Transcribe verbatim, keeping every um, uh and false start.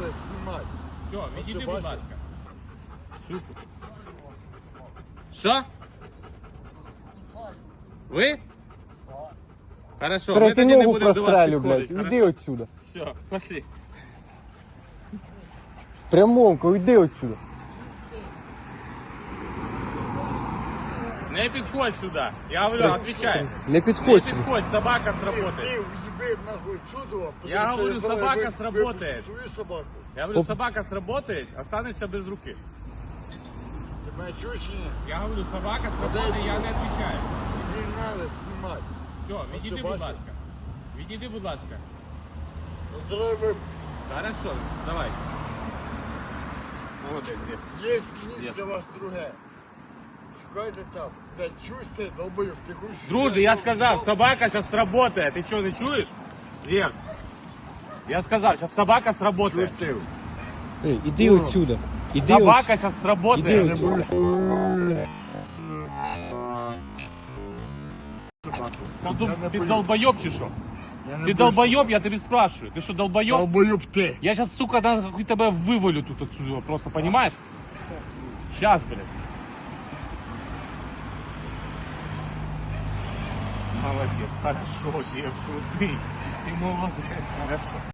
треба знімати. Все, відійди, все будь бачиш? ласка. Сука. Що? Ви? Хорошо, ми Третю тоді не ногу будемо до вас прострелю, блядь. підходити. Іди отсюда. Все, пошли. Прямовку, іди отсюда. Не підходь сюди. Я говорю, отвечай. Не Не підходь сюди. підходь, собака Ти сработает. уїби нахуй чудо. Я говорю, собака сработает. Твою собаку. Я говорю, собака сработает, останешься без руки. Ти мене чуєш чи ні? Я говорю, собака сработает, я не отвечаю. Не треба знімати. Все, відійди, все будь бачиш? ласка. Відійди, будь ласка. Ну, треба, Хорошо, давай. Молодець. є місце у вас друге. Шукайте там. Блядь, чуєш ти, долбойок, ти хочеш... Друже, я сказав, собака сейчас сработает. Ты что, не чуешь? Зевс. Я сказал, сейчас собака сработает. Ти. Ей, іди отсюда. Іди Собака сейчас сработает. Іди отсюда. Там Я тут не ты боюсь. долбоеб чи що? Я не Ты боюсь. долбоеб, я тебе спрашиваю. Ты что, долбоеб? Долбойоб ти. Я сейчас, сука, нахуй тебя вывалю тут отсюда, просто, понимаешь? Сейчас, блядь. Молодец, хорошо, Зевс, ты. Ты молодец, хорошо.